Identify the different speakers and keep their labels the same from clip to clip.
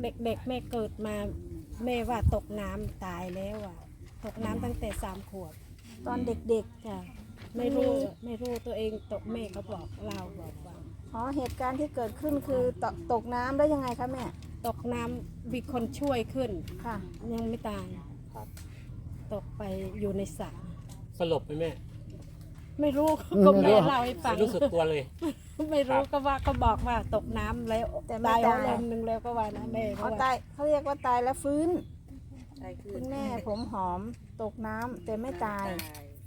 Speaker 1: เด็กๆแม่เกิดมาแม่ว่าตกน้ำตายแล้วอ่ะตกน้ำตั้งแต่3 ขวบ
Speaker 2: ตอนเด็ก
Speaker 1: จ้ะไม่รู้ตัวเองตกแม่เขาบอกเราบอกว่า
Speaker 2: ๆอ๋อเหตุการณ์ที่เกิดขึ้นคือตกน้ำได้ยังไงคะแม่
Speaker 1: ตกน้ำมีคนช่วยขึ้น
Speaker 2: ค่ะ
Speaker 1: ยังไม่ตายตกไปอยู่ในสระ
Speaker 3: สลบไหมแม่
Speaker 1: ไม่รู้ก็แม่เล่าให้ฟัง
Speaker 3: รู้สึกตัวเลย
Speaker 1: ไม่รู้ก็ว่าก็บอกว่าตกน้ำแล้ว
Speaker 2: แต่ไม่
Speaker 1: ตาย
Speaker 2: ตาย
Speaker 1: ลมหนึ่งแล้วก็ว่านะแม่
Speaker 2: เขาตายเขาเรียกว่าตายแล้วฟื้นคุณแม่ผมหอมตกน้ำแต่ไม่ตาย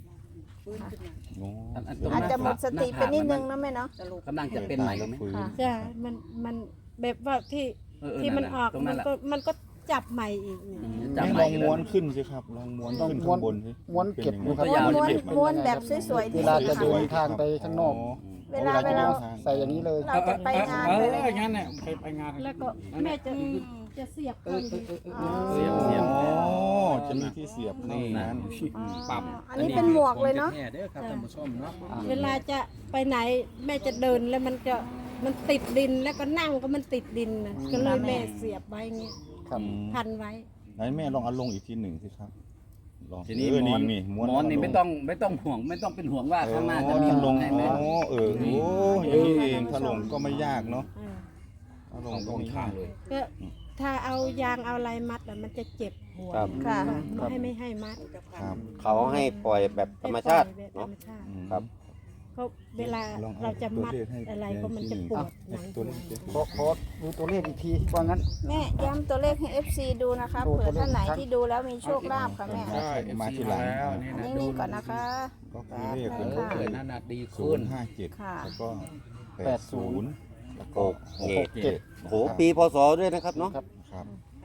Speaker 2: อาจจะหมดสติไปนิดนึงนะแม่เนาะ
Speaker 4: กำลังจะเป็นใหม่ไหม
Speaker 2: ค่ะ
Speaker 1: ใช่มันแบบว่าที่มันออกมันก็จับใหม่อีกเนี่ย
Speaker 4: จับ
Speaker 5: ล
Speaker 4: ใหม่
Speaker 5: องม้วนขึ้นสิครับลองม้วนขึ้นข้างบนสิ
Speaker 6: ม้วนเก็บดูครับ
Speaker 2: ม้วนแบบสวยๆ
Speaker 6: เว
Speaker 2: ที่
Speaker 6: ลา
Speaker 2: สุด
Speaker 6: จะเดิ
Speaker 2: ค่ะ
Speaker 6: นทางไปข้างนอก
Speaker 2: เวลา
Speaker 6: ใส่อย่างนี้เลย
Speaker 2: เราจะไปงานไปอะไร
Speaker 7: งั้นเนี่ยไปงาน
Speaker 1: แล้วก็แม่จะเสียบเข้าอยู่
Speaker 4: เสียบเสียบ
Speaker 5: อ๋อจะมีที่เสียบเข้านั้น
Speaker 7: ปรับ
Speaker 2: อันนี้เป็นหมวกเลยเนาะ
Speaker 7: แน่เด้อครับท่านผู้ชมเนาะ
Speaker 1: เวลาจะไปไหนแม่จะเดินแล้วมันติดดินแล้วก็นั่งก็มันติดดินนะก็เลยแม่เสียบไว้เงี้ย
Speaker 6: ครับ
Speaker 1: พันไว้
Speaker 5: ไหนแม่ลองเอาลงอีกทีหนึ่งสิครับลอง
Speaker 4: ทีนี้
Speaker 5: นี่
Speaker 4: ม้วนนี่ไม่ต้องห่วงไม่ต้องเป็นห่วงว่าข้างหน้าจะมี
Speaker 5: ถ้าลง
Speaker 4: ให้ไหม
Speaker 5: โอ้โอย่างนี้เองถ้าลงก็ไม่ยากเนาะ
Speaker 1: เออ
Speaker 5: ถ้าลงก็ไม่ยาก
Speaker 1: ก็ถ้าเอายางเอาอะไรมัดอะมันจะเจ็บหัว
Speaker 6: ครับ
Speaker 2: ค่ะ
Speaker 1: ไม่ให้มัด
Speaker 5: ครับ
Speaker 8: เขาให้ปล่อยแบบธรรมชาติ
Speaker 1: ให้ปล่อยแบบธร
Speaker 8: เนาะ
Speaker 1: รมชาติ
Speaker 8: ครับ
Speaker 1: ก็เวลา
Speaker 5: ลองอ
Speaker 1: เราจะมัด
Speaker 5: ตัวเลขให้
Speaker 1: อะไรก็มันจะปวดหลัง
Speaker 5: ตัวเลขสิ
Speaker 6: ขอดูตัวเลขอีกทีว่างั้น
Speaker 2: แม่ย้ำตัวเลขให้ FC ดูนะคะ
Speaker 6: ดู
Speaker 2: เผื่
Speaker 6: ตั
Speaker 2: อ
Speaker 6: วเลข
Speaker 2: ท่านไหน
Speaker 6: ครับ
Speaker 2: ที่ดูแล้วมีโชคลาภค่ะแม่
Speaker 7: ใช่
Speaker 5: มาทีหลัง
Speaker 7: แล้วนี่
Speaker 2: อัน
Speaker 7: นะ
Speaker 2: นี้นิ่งก่อนนะคะ
Speaker 5: ก็คือเลขเป็น
Speaker 2: ค่ะ
Speaker 7: เกิดนั่นน่ะดี
Speaker 5: ศู
Speaker 7: ขึ้
Speaker 5: น
Speaker 7: น
Speaker 5: ย์ห้าเจ็ด
Speaker 2: ค่ะ
Speaker 5: แล้วก็80แล้วก็
Speaker 8: โอ้โหปีพศด้วยนะครับเนาะ
Speaker 6: ครับ
Speaker 5: ครับ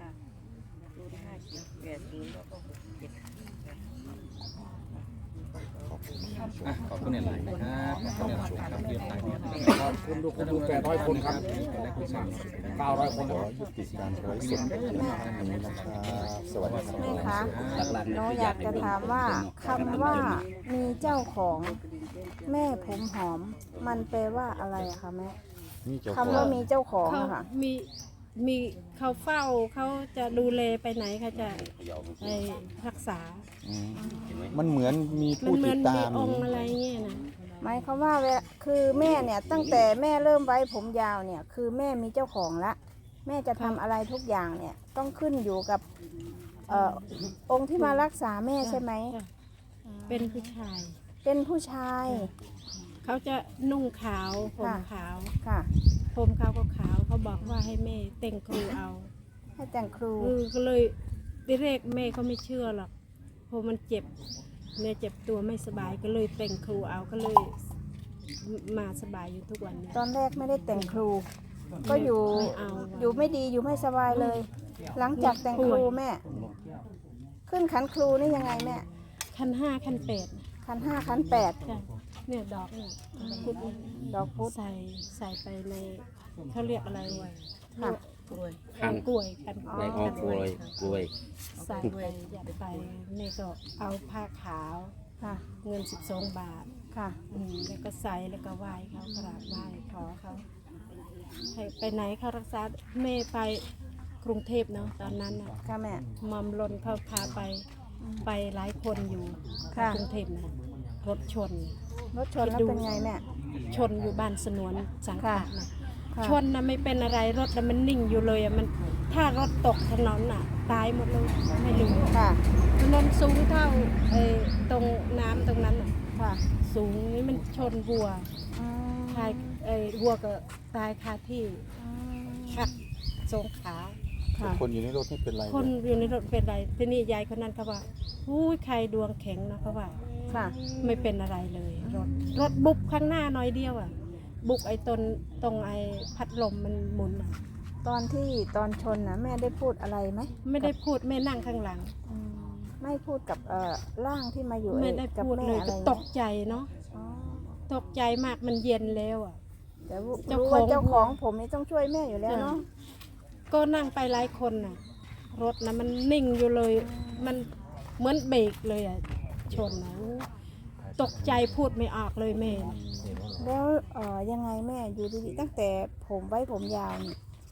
Speaker 5: ขอบคุณ
Speaker 7: ขอบคุณหลายนะครับขอบคุณหลายครับเรียบร้อยขอบคุณดูคนดู800 คนครับ900 คน
Speaker 5: ขอยุติการไลฟ์สดเพียงเท่านี้นะครับสวัสดีครับ
Speaker 2: แม่คะ
Speaker 4: หลักๆ
Speaker 2: หนูอยากจะถามว่าคำว่ามีเจ้าของแม่ผมหอม มันแปลว่าอะไรอะคะแม่
Speaker 5: นี่เจ้าข
Speaker 2: คำ
Speaker 5: อง
Speaker 2: ว่ามีเจ้าของ
Speaker 1: เขา
Speaker 2: อะค่ะ
Speaker 1: มีเขาเฝ้าเขาจะดูแลไปไหนเขาจะไปรักษา
Speaker 5: อืมมันเหมือนมี
Speaker 1: มัน
Speaker 5: ผู้
Speaker 1: เหมื
Speaker 5: ติ
Speaker 1: อ
Speaker 5: ด
Speaker 1: น
Speaker 5: ตา
Speaker 1: มี
Speaker 5: ม
Speaker 1: องค์อะไรเงี้ยนะ
Speaker 2: หมายความว่าคือแม่เนี่ยตั้งแต่แม่เริ่มไว้ผมยาวเนี่ยคือแม่มีเจ้าของละแม่จะทำอะไรทุกอย่างเนี่ยต้องขึ้นอยู่กับองค์ที่มารักษาแม่ใช่ไหม
Speaker 1: จ้ะเป็นผู้ชาย
Speaker 2: เป็นผู้ชาย
Speaker 1: เขาจะนุ่งขาวผม
Speaker 2: ค่ะ
Speaker 1: ขาว
Speaker 2: ค่ะ
Speaker 1: ผมเขาก็ขาวเขาบอกว่าให้แม่แต่งครูเอา
Speaker 2: ให้แต่งครู
Speaker 1: ก็เลยทีแรกแม่เขาไม่เชื่อหรอกเพราะมันเจ็บแม่เจ็บตัวไม่สบายก็เลยแต่งครูเอาก็เลยมาสบายอยู่ทุกวันนี้
Speaker 2: ตอนแรกไม่ได้แต่งครู ก็อยู่
Speaker 1: ไม่เอา
Speaker 2: อยู่ไม่ดีอยู่ไม่สบายเลย หลังจากแต่งครูแม่ ขึ้นขันครูนี่ยังไงแม่
Speaker 1: ขั้น5ขั้น8
Speaker 2: ขัน 5ขัน 8
Speaker 1: ใช่เนี่ยดอกเนี่ย
Speaker 2: ดอกพุธ
Speaker 1: ใส่ไปในเขาเรียกอะไรวะ
Speaker 2: ค่ะ
Speaker 1: กล้วยกันกล้วย
Speaker 8: อ๋อกล้วยกล้วย
Speaker 1: ใส่ไปยัดไปแม่ก็เอาผ้าขาว
Speaker 2: ค่ะ
Speaker 1: เงิน12 บาท
Speaker 2: ค่ะ
Speaker 1: แล้วก็ใส่แล้วก็ไหว้เขากราบไหว้ขอเขาให้ไปไหนเขารักษาแม่ไปกรุงเทพเนาะตอนนั้นน่ะ
Speaker 2: ค่ะแม่
Speaker 1: มอมลนเขาพาไปหลายคนอยู่
Speaker 2: ค่ะ
Speaker 1: กรุงเทพนะรถชน
Speaker 2: รถชนแล้วเป็นไงแม่
Speaker 1: ชนอยู่บ้านสนวนสังขะนะ
Speaker 2: ค่ะ
Speaker 1: ชนนะไม่เป็นอะไรรถนะมันนิ่งอยู่เลยอะมันถ้ารถตกถนนน่ะตายหมดเลยไม่รู้
Speaker 2: ค่ะ
Speaker 1: ถนนสูงเท่าตรงน้ำตรงนั้นน่ะ
Speaker 2: ค่ะ
Speaker 1: สูงนี่มันชนวัว
Speaker 2: อืม
Speaker 1: ตายวัวก็ตายคาที่
Speaker 2: อืม
Speaker 1: หักสองขา
Speaker 2: ค่ะ
Speaker 5: คนอยู่ในรถไม่เป็นไร
Speaker 1: คนอยู่ในรถเป็นไรทีนี้ยายคนนั้นเขาว่าอุ้ยใครดวงแข็งนะเขาว่า
Speaker 2: ค่ะ
Speaker 1: ไม่เป็นอะไรเลยรถบุบข้างหน้าน้อยเดียวอ่ะ บุกไอ้ตรงไอ้พัดลมมันหมุนอ่ะ
Speaker 2: ตอนชนนะแม่ได้พูดอะไรไหม
Speaker 1: ไม่ได้พูดแม่นั่งข้างหลัง
Speaker 2: อืมไม่พูดกับร่างที่มาอยู่
Speaker 1: ไม่ได้
Speaker 2: กับ
Speaker 1: พูด
Speaker 2: แม่
Speaker 1: เลย
Speaker 2: อะไร
Speaker 1: ก็
Speaker 2: เงี้ย
Speaker 1: ตกใจเนาะ
Speaker 2: อ๋อ
Speaker 1: ตกใจมากมันเย็นแล้วอ่ะ
Speaker 2: แต่
Speaker 1: เจ้า
Speaker 2: รู้
Speaker 1: ของ
Speaker 2: ว่าเจ้าของผมนี่ต้องช่วยแม่อยู่แล้วเนาะ
Speaker 1: ก็นั่งไปหลายคนน่ะ รถนะมันนิ่งอยู่เลย มันเหมือนเบรกเลยอ่ะชนนะตกใจพูดไม่ออกเลยแม่
Speaker 2: แล้วยังไงแม่อยู่ดีๆตั้งแต่ผมไว้ผมยาวนี่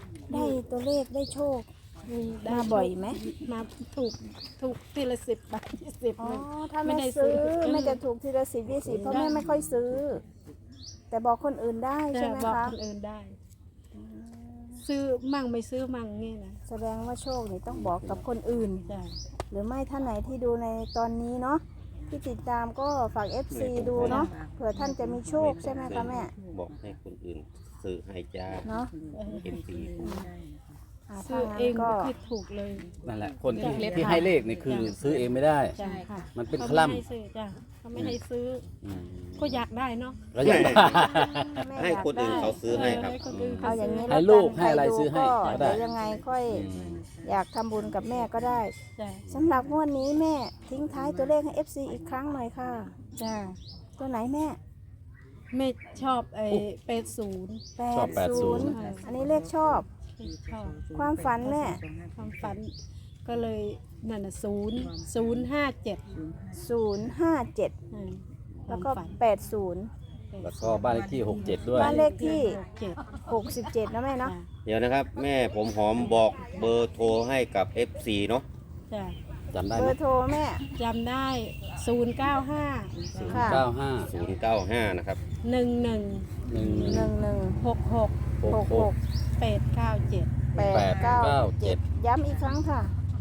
Speaker 2: ได้ตัวเลขได้โชค
Speaker 1: ได้
Speaker 2: มาบ่อยไหม
Speaker 1: มาถูกทีละ10 บาท20
Speaker 2: อ๋อ
Speaker 1: เลย
Speaker 2: ถ้า
Speaker 1: ไม่
Speaker 2: แม่
Speaker 1: ได้ซื้
Speaker 2: ซื้อ
Speaker 1: อ
Speaker 2: แม่จะถูกทีละ10 20เพราะแม่ไม่ค่อยซื้อ แต่บอกคนอื่นได้ใช่
Speaker 1: จะ
Speaker 2: ไหม
Speaker 1: บอก
Speaker 2: คะ
Speaker 1: คนอื่นได้ ซื้อมั่งไม่ซื้อมั่งนี่นะ
Speaker 2: แสดงว่าโชคนี่ต้องบอกกับคนอื่น
Speaker 1: จ้ะ
Speaker 2: หรือไม่ท่านไหนที่ดูในตอนนี้เนาะที่ติดตามก็ฝาก FC ดูเนาะเผื่อท่านจะมีโชคใช่ไหมคะแม่
Speaker 8: บอกให้คนอื่นซื้อให้จ้า
Speaker 2: เนาะ
Speaker 8: เอ็มซี
Speaker 1: ซื้อ
Speaker 2: ถ้า
Speaker 1: เอง
Speaker 2: งั้น
Speaker 1: ไม่
Speaker 2: ก็
Speaker 1: ค่อยถูกเลย
Speaker 4: นั่นแหละคนที่ให้เลขนี่คือซื้อเองไม่ได้
Speaker 1: จ้ะ
Speaker 4: มันเป็น
Speaker 1: เขา
Speaker 4: ค
Speaker 1: ไม่
Speaker 4: ลั่ม
Speaker 1: ให้ซื้อจ้ะเขาไม่ให้ซื้อ
Speaker 4: อืม
Speaker 1: ก็อยากได้เนาะ
Speaker 4: ก็อย่างนั้น
Speaker 2: แม่
Speaker 8: ให้
Speaker 2: อยาก
Speaker 8: คนอื่น
Speaker 2: ได้
Speaker 8: เขาซื้อให้ครับ
Speaker 1: ให้คนอื่น
Speaker 2: เอาอย่างนี้
Speaker 4: ให้
Speaker 2: แล้ว
Speaker 4: ลูก
Speaker 2: น
Speaker 4: ให้อะไร
Speaker 2: ใคดู
Speaker 4: ซื้อให้
Speaker 2: ก็
Speaker 4: ก็ได้
Speaker 2: เดี๋ยวยังไงค่อย
Speaker 4: อืม
Speaker 2: อยากทำบุญกับแม่ก็ได้
Speaker 1: จ้ะ
Speaker 2: สำหรับงวดนี้แม่ทิ้งท้ายตัวเลขให้ FC อีกครั้งหน่อยค่ะ
Speaker 1: จ้ะ
Speaker 2: ตัวไหนแม่
Speaker 1: ไม่ชอบ80
Speaker 4: ชอบ80
Speaker 2: 80อันนี้เลขชอบ
Speaker 1: ไม่ชอบ
Speaker 2: ความฝันแม่
Speaker 1: ความฝันก็เลยนั่นน่ะ057
Speaker 2: 057
Speaker 1: อืม
Speaker 2: แล้วก็
Speaker 1: ความฝัน
Speaker 2: 80
Speaker 4: แล้วก็บ้านเลขที่ 67 ด้วย
Speaker 2: บ้านเลขที่
Speaker 1: 67
Speaker 2: 67นะแม่เนาะ
Speaker 1: จ้ะ
Speaker 8: เดี๋ยวนะครับ แม่ผมหอมบอกเบอร์โทรให้กับ FC เนาะ
Speaker 1: จ้ะ
Speaker 4: จำได้
Speaker 2: เบ
Speaker 4: ไหม
Speaker 2: อร์โทรแม่
Speaker 1: จำได้095
Speaker 2: ค่ะ
Speaker 1: 11
Speaker 8: 095 นะครับ
Speaker 1: 66 897
Speaker 2: 897 ย้ำอีกครั้งค่ะ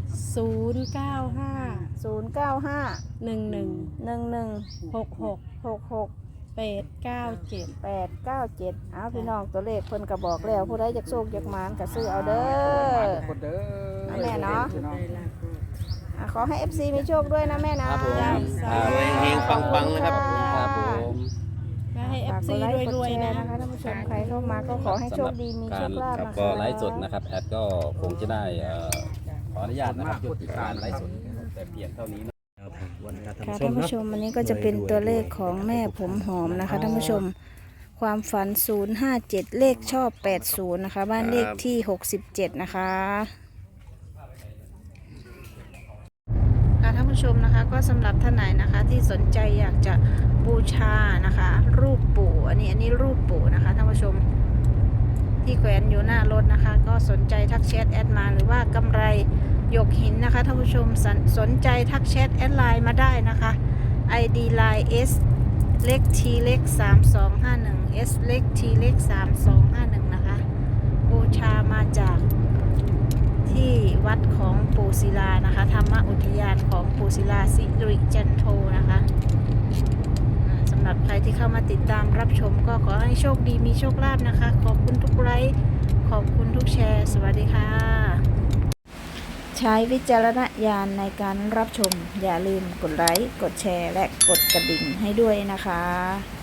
Speaker 1: 095
Speaker 2: 095
Speaker 1: 11 66
Speaker 2: 66
Speaker 1: 897
Speaker 2: 897เอาพี่น้องตัวเลขเพิ่นก็บอกแล้วผู้ใดอยากโชคอยากหมานก็ซื้อเอาเด้อ
Speaker 6: คนเด้อ
Speaker 2: แม่เนาะ
Speaker 6: พี่อง
Speaker 2: ขอให้ FC มีโชคด้วยนะแม่นะครับ
Speaker 4: ผม
Speaker 8: เฮงๆปังๆนะครับ
Speaker 4: ครับผม
Speaker 1: ก็ให้
Speaker 2: ฝาก
Speaker 1: FC
Speaker 2: กดไลค์กด
Speaker 1: รวย
Speaker 2: แช
Speaker 1: ๆนะ
Speaker 2: ร์นะคะท่านผู้ชมใครเข้ามาก็ขอให้โชคดีมีโชคลาภ
Speaker 4: ครับ
Speaker 2: นะ
Speaker 4: ก็
Speaker 2: คะ
Speaker 4: ไลฟ์สดนะครับแอดก็คงจะได้ขออนุญาตนะครับยุติการไลฟ์สดแต่เพียงเท่านี้นะ
Speaker 2: ค่ะท่านผู้ชมอันนี้ก็จะเป็นตัวเลขของแม่ผมหอมนะคะท่านผู้ชมความฝัน 057 เลขชอบ 80 นะคะ บ้านเลขที่ 67 นะคะค่ะท่านผู้ชมนะคะก็สำหรับท่านไหนนะคะที่สนใจอยากจะบูชานะคะ รูปปู่อันนี้รูปปู่นะคะท่านผู้ชมที่แขวนอยู่หน้ารถนะคะ ก็สนใจทักแชทแอดมาหรือว่ากำไรหยกหินนะคะท่านผู้ชมสนใจทักแชทแอดไลน์มาได้นะคะ ID line S เล็ก T เล็ก3251 S เล็ก T เล็ก3251นะคะบูชามาจากที่วัดของปู่ศิลานะคะธรรมอุทยานของปู่ศิลาสิริจันโทนะคะสำหรับใครที่เข้ามาติดตามรับชมก็ขอให้โชคดีมีโชคลาภนะคะขอบคุณทุกไลค์ขอบคุณทุกแชร์สวัสดีค่ะใช้วิจารณญาณในการรับชมอย่าลืมกดไลค์กดแชร์และกดกระดิ่งให้ด้วยนะคะ